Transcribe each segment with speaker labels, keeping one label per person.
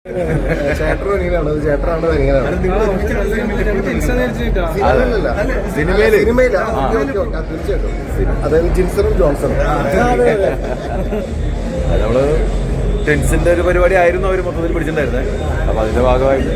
Speaker 1: ചേട്ടനും എങ്ങനെയാണ് ചേട്ടനാണ് എങ്ങനെയാണ് സിനിമയിലാ തീർച്ചയായിട്ടും അതായത് ജിൻസറും ജോൺസണും
Speaker 2: നമ്മള് ടെൻസിന്റെ ഒരു പരിപാടി ആയിരുന്നു അവർ മൊത്തത്തിൽ പിടിച്ചിട്ടുണ്ടായിരുന്നത്. അപ്പൊ അതിന്റെ ഭാഗമായിട്ട്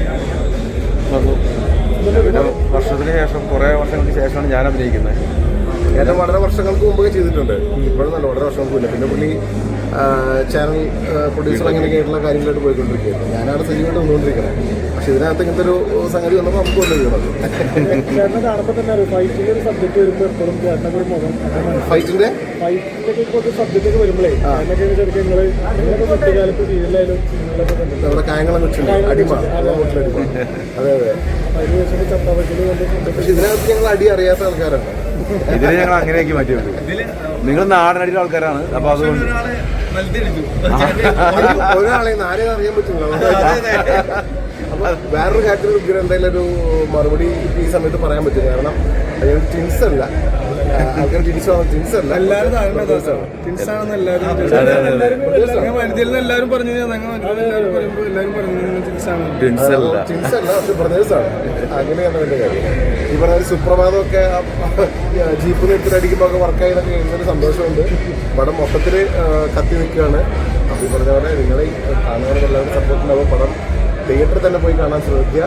Speaker 2: പിന്നെ വർഷത്തിന് ശേഷം കുറെ വർഷങ്ങൾക്ക് ശേഷമാണ് ഞാൻ അഭിനയിക്കുന്നത്.
Speaker 1: ഏറ്റവും വളരെ വർഷങ്ങൾക്ക് മുമ്പ് ചെയ്തിട്ടുണ്ട്, ഇപ്പോഴും നല്ല വളരെ വർഷങ്ങൾക്ക് മുന്നേ. പിന്നെ പുള്ളി ചാനൽ പ്രൊഡ്യൂസർ അങ്ങനെയൊക്കെ ആയിട്ടുള്ള കാര്യങ്ങളായിട്ട് പോയിക്കൊണ്ടിരിക്കുകയായിരുന്നു. ഞാനാണ് സജീവമായിട്ട് വന്നുകൊണ്ടിരിക്കുന്നത്. പക്ഷെ ഇതിനകത്ത് ഇങ്ങനത്തെ ഒരു സംഗതി വന്നപ്പോൾ നമുക്ക് കൊണ്ടുവരുന്നത് ഫൈറ്റിന്റെ നമ്മുടെ കായംകുളം കൊച്ചുണ്ട് അടിമ. അതെ അതെ. പക്ഷെ ഇതിനകത്ത് ഞങ്ങൾ അടി അറിയാത്ത ആൾക്കാരാണ്.
Speaker 2: ഇതിനെ ഞങ്ങൾ അങ്ങനെയൊക്കെ മാറ്റിയുണ്ട്. നിങ്ങൾ നാടനടിയുടെ ആൾക്കാരാണ്. അപ്പൊ അതുകൊണ്ട്
Speaker 1: ഒരാളെ ആരെയും അറിയാൻ പറ്റില്ല. അപ്പൊ വേറൊരു കാര്യത്തിൽ എന്തായാലും ഒരു മറുപടി ഈ സമയത്ത് പറയാൻ പറ്റും. കാരണം ടിൻസ് അല്ല, ആൾക്കാർ ടിൻസ് അല്ല,
Speaker 3: എല്ലാവരും പറഞ്ഞു
Speaker 1: പക്ഷെ ബ്രദേഴ്സാണ്. അങ്ങനെയാണ് അതിന്റെ കാര്യം. ഈ പറഞ്ഞ സുപ്രഭാതമൊക്കെ ജീപ്പ് നിർത്തിലടിക്കുമ്പോൾ ഒക്കെ വർക്കായതൊക്കെ കഴിയുന്നൊരു സന്തോഷമുണ്ട്. പടം മൊത്തത്തിൽ കത്തി നിൽക്കുകയാണ്. അപ്പൊ ഈ പറഞ്ഞ പോലെ നിങ്ങളെ കാണുന്നവർക്ക് എല്ലാവരും സപ്പോർട്ട് ഉണ്ടാവും. പടം തിയേറ്ററിൽ തന്നെ പോയി കാണാൻ ശ്രമിക്കുക.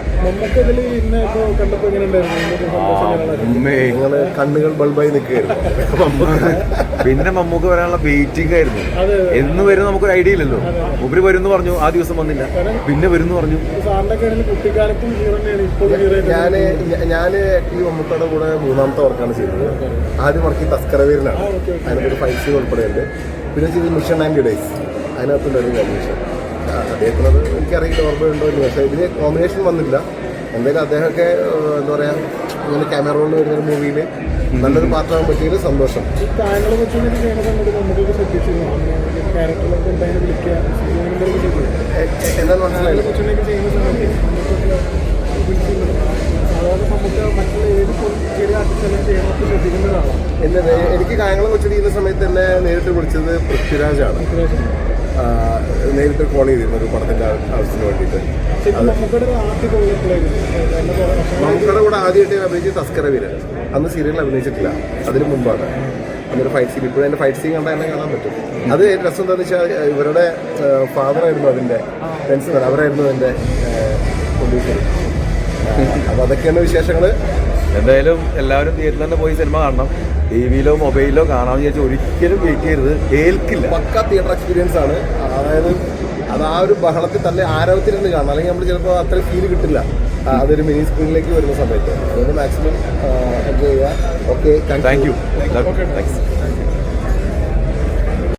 Speaker 1: നിങ്ങള് കണ്ണുകൾ ബൾബായി നിൽക്കുകയായിരുന്നു.
Speaker 2: പിന്നെ മമ്മൂക്ക് വരാനുള്ള വെയിറ്റിംഗ് ആയിരുന്നു. എന്ന് വരും നമുക്കൊരു ഐഡിയ ഇല്ലല്ലോ. ഉപരി വരുമെന്ന് പറഞ്ഞു, ആ ദിവസം വന്നില്ല. പിന്നെ വരുമെന്ന് പറഞ്ഞു.
Speaker 1: ഞാന് ഈ മമ്മൂക്കയുടെ കൂടെ 3ാമത്തെ വർക്കാണ് ചെയ്തത്. ആദ്യം വർക്ക് ഈ തസ്കരവീരനാണ്. അതിനൊരു 5 സീൻ ഉൾപ്പെടെയുണ്ട്. പിന്നെ ചെയ്ത് മിഷൻ ആൻഡ് ഡേയ്സ്, അതിനകത്തുണ്ടായിരുന്നു കോമ്പിനേഷൻ. അദ്ദേഹത്തിനത് എനിക്കറിയില്ല, ഓർമ്മയുണ്ടോ എന്ന്. പക്ഷേ ഇതിന് കോമ്പിനേഷൻ വന്നില്ല. എന്തായാലും അദ്ദേഹമൊക്കെ എന്താ പറയുക, ഇങ്ങനെ ക്യാമറ റോളിൽ വരുന്നൊരു മൂവിയിൽ നല്ലൊരു പാത്രമാകാൻ പറ്റിയതിൽ സന്തോഷം. എന്താണെന്ന് മനസ്സിലായില്ല. എനിക്ക് കായംകുളം കൊച്ചു ചെയ്യുന്ന സമയത്ത് എന്നെ നേരിട്ട് വിളിച്ചത് പൃഥ്വിരാജാണ്. നേരിട്ട് കോൾ ചെയ്തിരുന്നു ഒരു പടത്തിന്റെ ആവശ്യത്തിന് വേണ്ടിയിട്ട്. നമുക്കടെ കൂടെ ആദ്യമായിട്ട് അഭിനയിച്ചത് തസ്കരവീരൻ. അന്ന് സീരിയലിൽ അഭിനയിച്ചിട്ടില്ല, അതിന് മുമ്പാണ്. അന്നൊരു ഫൈറ്റ് സീൻ, ഇപ്പോഴും എൻ്റെ ഫൈറ്റ് സീൻ കണ്ടാൽ എന്നെ കാണാൻ പറ്റും. അത് രസം എന്താണെന്ന് വെച്ചാൽ ഇവരുടെ ഫാദറായിരുന്നു അതിൻ്റെ ഫ്രണ്ട്സ്, അവരായിരുന്നു എൻ്റെ പ്രൊഡ്യൂസർ. അപ്പോൾ അതൊക്കെയാണ് വിശേഷങ്ങൾ.
Speaker 2: എന്തായാലും എല്ലാവരും തിയേറ്ററിൽ തന്നെ പോയി സിനിമ കാണണം. ടിവിയിലോ മൊബൈലിലോ കാണാമെന്ന് വിചാരിച്ചാൽ ഒരിക്കലും വെയിറ്റ് ചെയ്യരുത്, ഏൽക്കില്ല.
Speaker 1: പക്ക തിയേറ്റർ എക്സ്പീരിയൻസ് ആണ്. അതായത് അത് ആ ഒരു ബഹളത്തിൽ തന്നെ ആരവത്തിലിരുന്ന് കാണണം. അല്ലെങ്കിൽ നമ്മൾ ചിലപ്പോൾ അത്ര ഫീൽ കിട്ടില്ല അതൊരു മിനി സ്ക്രീനിലേക്ക് വരുന്ന സമയത്ത്. അതുകൊണ്ട് മാക്സിമം എൻജോയ് ചെയ്യുക. Okay,
Speaker 2: thank U.